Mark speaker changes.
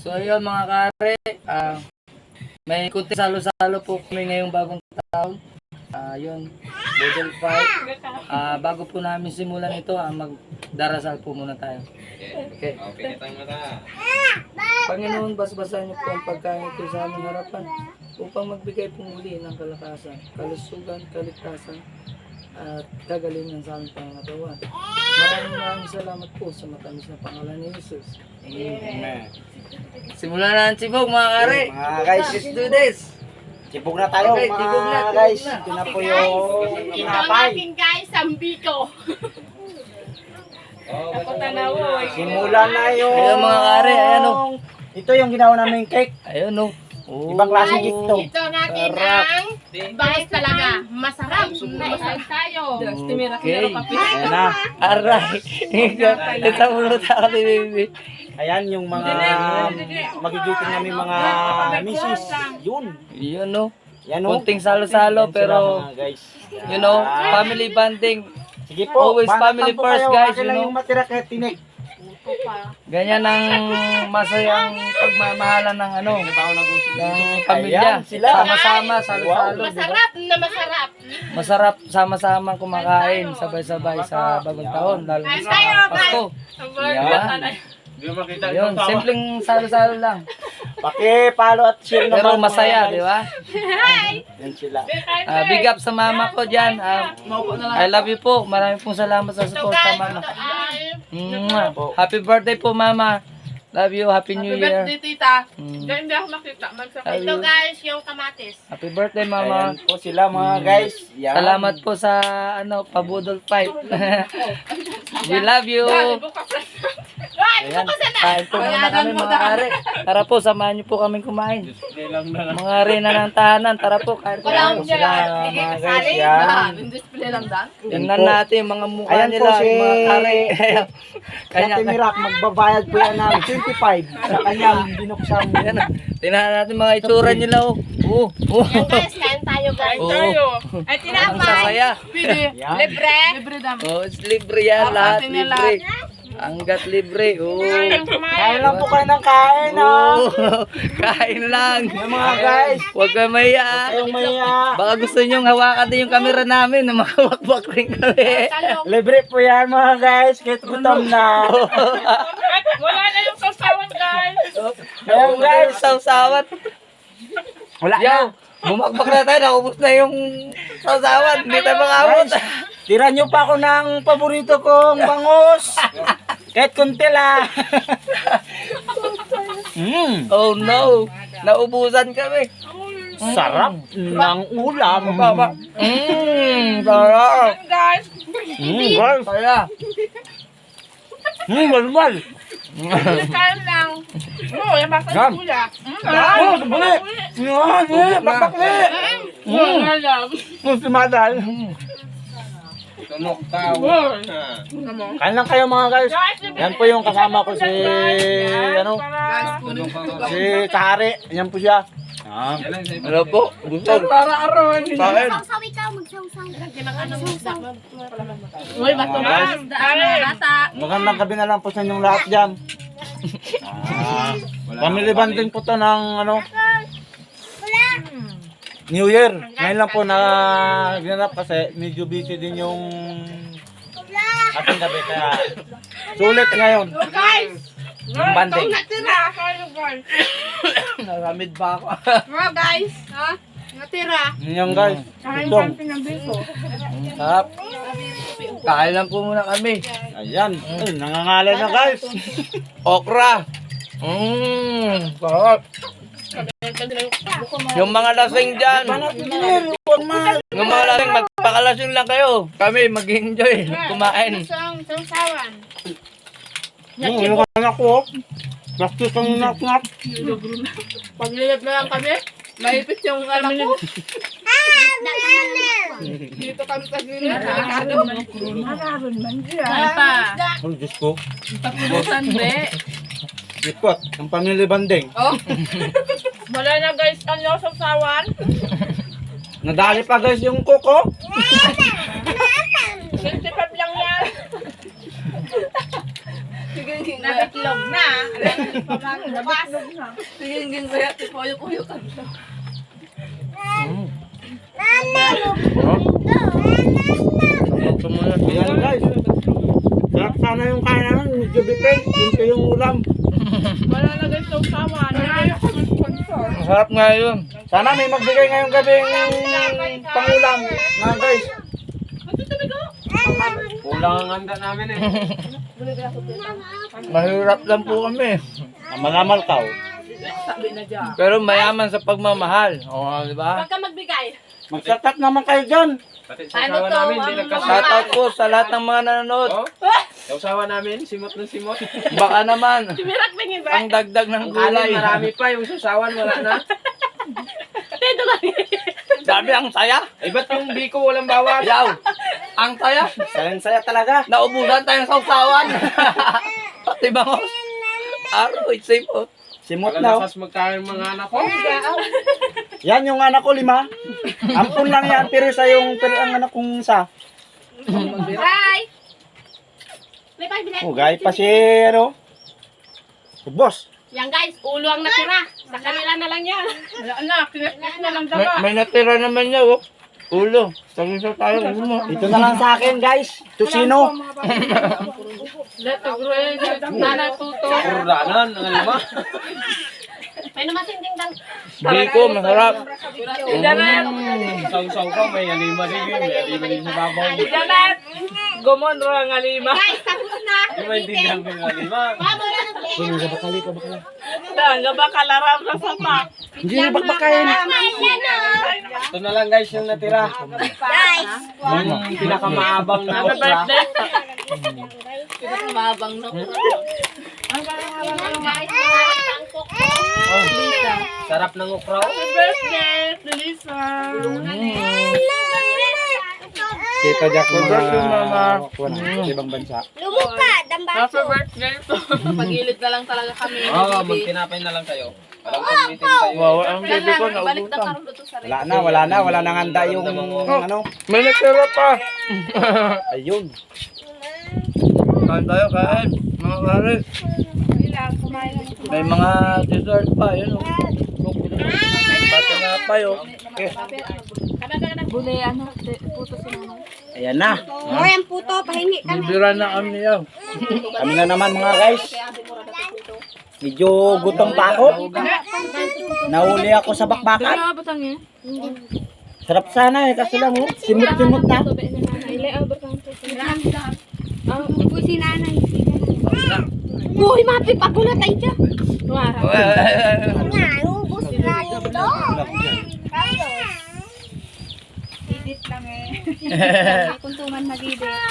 Speaker 1: So ayun mga kare, may kunti salo-salo po kami ngayong bagong taon. Yun, Budol Fight. Bago po namin simulan ito, magdarasal po muna tayo. Okay. Panginoon, basbasan niyo po ang pagkain ito sa aming harapan upang magbigay po muli ng kalakasan, kalusugan, kaligtasan, at kagalingan sa aming pangatawan. Maraming salamat po sa matamis na pangalan ni Jesus. Amen. Simulan na ang sibog mga kare.
Speaker 2: Mga guys,
Speaker 1: Let's do this.
Speaker 2: sibog na tayo
Speaker 1: Okay, sibog na,
Speaker 2: mga guys.
Speaker 1: sibog na.
Speaker 2: Ito na po yung
Speaker 3: Ito
Speaker 2: napay.
Speaker 3: natin guys, ang biko. Ako tanawoy.
Speaker 2: Simulan na yung...
Speaker 1: Ayun mga kare, ayan o.
Speaker 2: Ito yung ginawa namin cake.
Speaker 1: Ayun o. Oh.
Speaker 2: Ibang klase cake to.
Speaker 3: Ito natin
Speaker 1: Sarap.
Speaker 3: ang bangis talaga. Masarap. Masarap tayo.
Speaker 1: Okay.
Speaker 2: Ayan na.
Speaker 1: Aray. Ito muna tayo ni baby.
Speaker 2: Ayan yung mga magigiting namin mga misis. Yun.
Speaker 1: Yun o.
Speaker 2: Yan o.
Speaker 1: Kunting salo-salo
Speaker 2: Yan sila,
Speaker 1: pero
Speaker 2: mga guys.
Speaker 1: you know, family bonding.
Speaker 2: Sige po.
Speaker 1: always
Speaker 2: banatan
Speaker 1: family
Speaker 2: po
Speaker 1: first,
Speaker 2: kayo.
Speaker 1: guys,
Speaker 2: Akin
Speaker 1: you
Speaker 2: lang
Speaker 1: know.
Speaker 2: yung matira kahit tinik.
Speaker 1: Ganyan ang masayang pagmamahalan ng ano, ng pamilya.
Speaker 2: Ayan, sila.
Speaker 1: Sama-sama, salo-salo, di ba?
Speaker 3: Masarap na masarap.
Speaker 1: Masarap sama-sama kumakain sabay-sabay sa bagong taon, lalo na
Speaker 3: Kain
Speaker 1: sa
Speaker 3: tayo,
Speaker 1: Pasko. Yan. Yun, simpleng salo-salo lang.
Speaker 2: Paki-follow at share naman.
Speaker 1: Pero
Speaker 2: mga
Speaker 1: masaya,
Speaker 2: guys.
Speaker 1: di ba?
Speaker 2: Yan sila.
Speaker 1: Big up sa mama ko dyan. I love you po. Maraming pong salamat sa suporta, mama. Happy birthday po, mama. Love you. Happy New Year.
Speaker 3: tita.
Speaker 1: Mm.
Speaker 3: Hindi ako makita.
Speaker 1: Love
Speaker 3: Ito
Speaker 1: you.
Speaker 3: guys, yung kamatis.
Speaker 1: Happy birthday, mama.
Speaker 2: Ayan po sila mga guys. Yan.
Speaker 1: Salamat po sa ano, Pabudol Fight. We love you. Ayan, kain po muna kami mga kare. Tara po, samahan niyo po kaming kumain. Mga rina ng tahanan, tara po, kain po tayo.
Speaker 2: Sila mga guys. Yan.
Speaker 3: Display lang dan.
Speaker 1: Tingnan natin yung mga mukha
Speaker 2: Ayan po
Speaker 1: nila,
Speaker 2: si-
Speaker 1: yung mga kare.
Speaker 2: Kaya Mirak, magbabayad po yan ng 25 sa kanyang binuksan.
Speaker 1: Ayan, tingnan natin mga itsura nila. Oh.
Speaker 3: Yan guys, kain tayo guys.
Speaker 1: Oo.
Speaker 3: Ay,
Speaker 1: Ang
Speaker 3: tinapay.
Speaker 1: sasaya.
Speaker 2: Yan.
Speaker 3: Libre. Libre dam.
Speaker 1: Oh, it's libre yan, lahat libre. Hanggat libre. Oh.
Speaker 2: Kain lang po kayo ng kain, ha?
Speaker 1: Kain lang.
Speaker 2: Yan mga guys.
Speaker 1: Huwag kayo maya.
Speaker 2: Kayong maya.
Speaker 1: Baka gusto nyo hawakan din yung camera namin na makawakbak rin kami.
Speaker 2: Libre po yan mga guys. Kahit gutom na.
Speaker 3: Wala na yung sasawan guys.
Speaker 2: Ayan guys.
Speaker 1: Sawsawan.
Speaker 2: Wala na.
Speaker 1: Yo, bumakbak na tayo. Naubos na yung sawsawan. Hindi tayo makabot.
Speaker 2: Guys, tira nyo pa ako ng paborito kong bangus. Kahit kunti lang.
Speaker 1: Oh no. Naubusan kami.
Speaker 2: Sarap ng ulam.
Speaker 1: Sarap.
Speaker 3: Guys.
Speaker 2: Guys.
Speaker 1: Kaya.
Speaker 2: Balbal.
Speaker 3: Kain lang. Oh, yung basta
Speaker 2: Yan.
Speaker 3: kuya.
Speaker 2: Oh, buli. Yan, bakbakli.
Speaker 3: Alam.
Speaker 2: Si Madal. Kain lang kayo mga guys. Yan po yung kasama ko si ano, si Kahari. Yan po siya.
Speaker 1: Ano po? Gusto. Para arawan. Kain.
Speaker 4: Sausaw ikaw, magsawsaw.
Speaker 3: Uy, bato
Speaker 2: Guys.
Speaker 3: bata.
Speaker 2: Magandang gabi na lang po sa inyong lahat dyan. Family bonding po to ng ano, New Year. Ngayon lang po na ginanap kasi medyo busy din yung ating gabi kaya sulit ngayon.
Speaker 3: Guys.
Speaker 2: Yung banding.
Speaker 3: Natira. Kayo guys.
Speaker 1: Naramid ba ako?
Speaker 3: Mga guys. Ha? Natira.
Speaker 2: Yan guys.
Speaker 3: Kain
Speaker 2: Ito.
Speaker 3: kang pinabiko.
Speaker 1: Sarap. Kain lang po muna kami.
Speaker 2: Ayan. Ay, nangangalay na guys.
Speaker 1: Okra. Sarap. Yung mga lasing dyan. Yung mga lasing, magpakalasing lang kayo. Kami mag-enjoy. Kumain.
Speaker 3: Sausawan.
Speaker 2: Ano ka na ko? Plastic ang naknap.
Speaker 3: Paglilip na lang kami. Maipit yung anak ko. Dito kami sa gilid. Mararon man siya.
Speaker 2: Ang Diyos ko.
Speaker 3: Tapunusan be.
Speaker 2: Ikot. Ang family bonding.
Speaker 3: Oh. Wala na guys ang sausawan.
Speaker 2: Nadali pa guys yung kuko.
Speaker 3: 65 lang yan. Sige, Nabitlog na. Nabitlog na.
Speaker 4: Tingin kaya, tipoyo-kuyo ka.
Speaker 2: Ayan guys. Sarap sana yung kain namin. Medyo bitin. Kunti yung ulam.
Speaker 3: Malalagay sa usawa.
Speaker 1: Ang sarap nga yun.
Speaker 2: Sana may magbigay ngayong gabing pangulam. Mga guys. Kulang ang handa namin eh.
Speaker 1: Mahirap lang po kami.
Speaker 2: Malamal ka.
Speaker 3: Sabi na dyan.
Speaker 1: Pero mayaman sa pagmamahal. O, di ba?
Speaker 3: Huwag ka magbigay.
Speaker 2: Magsatat naman kayo dyan.
Speaker 3: Ano to?
Speaker 1: Shoutout po sa lahat ng mga nanonood.
Speaker 5: Yung usawa namin, simot ng simot.
Speaker 1: Baka naman,
Speaker 3: Mirak pingin ba?
Speaker 1: ang dagdag ng
Speaker 5: Ang kanin,
Speaker 1: gulay.
Speaker 5: marami pa. Yung susawan, wala na.
Speaker 3: Ito lang.
Speaker 1: Sabi, ang saya.
Speaker 5: Eh, ba't yung biko walang bawas?
Speaker 1: Yaw, ang saya.
Speaker 2: Sayang-saya talaga.
Speaker 1: Naubusan tayong sausawan. Pati bangos. Aroy, safe po.
Speaker 2: Simot na.
Speaker 5: Kalalakas magkain mga anak ko.
Speaker 2: Yan yung anak ko 5. Ampun lang yan. Pero isa yung ang anak kong isa.
Speaker 3: Bye! May pagbilan.
Speaker 2: Oh, gaya pa si ano. Boss.
Speaker 3: Yan guys, ulo ang natira. Sa kanila na lang yan. Wala na, kinakit na lang
Speaker 1: May natira naman niya, oh. Ulo. Sagisaw tayo, ulo mo.
Speaker 2: Ito na lang sa akin guys. Tusino.
Speaker 3: Let the grow. Nana tuto.
Speaker 5: Kurdanan, ang lima.
Speaker 3: May namasinding dang.
Speaker 1: Biko, masarap.
Speaker 5: Saw-saw ka, may alima din yun. May alima din sa babaw.
Speaker 3: Janet! Gumon ro ang alima. Guys, tapos na.
Speaker 5: Yung maintindihan ko yung alima.
Speaker 3: Nga ba kalaram na sa pa?
Speaker 2: Hindi na bakbakain.
Speaker 5: Ito na lang guys yung natira.
Speaker 3: Guys!
Speaker 5: Yung pinakamaabang na
Speaker 3: Happy
Speaker 5: okra.
Speaker 3: birthday!
Speaker 4: Mabang na.
Speaker 5: Sarap ng okra.
Speaker 3: Happy birthday, Lisa!
Speaker 2: Kita Jack yung
Speaker 1: Birthday, Mama.
Speaker 2: ibang bansa.
Speaker 3: Happy birthday!
Speaker 4: Pagilid na lang talaga kami.
Speaker 5: Oo, magtinapay na lang kayo. Walang pagmitin kayo.
Speaker 1: Wow, ang baby ko,
Speaker 4: Balik na
Speaker 1: naubusan.
Speaker 4: karon dito sa
Speaker 2: Wala na handa yung ano.
Speaker 1: May natira pa.
Speaker 2: Ayun.
Speaker 1: Kain tayo, kain. Mga kare. May mga dessert pa, yun, oh. Bata nga pa, yun.
Speaker 4: Bulay, ano, puto si mama.
Speaker 2: Ayan na.
Speaker 3: Ang puto, pahingi
Speaker 1: Bibira na kami, yun.
Speaker 2: Kami na naman mga guys. Medyo gutom pa ako. Nahuli ako sa bakbakan.
Speaker 4: Ano ba tangin?
Speaker 2: Sarap sana eh, kasi lang simot-simot na.
Speaker 3: Uy, si nanay. Uy, mapi, pagulat tayo dyan. Ubus na dito. Edit lang eh. Kuntuman mag-edit.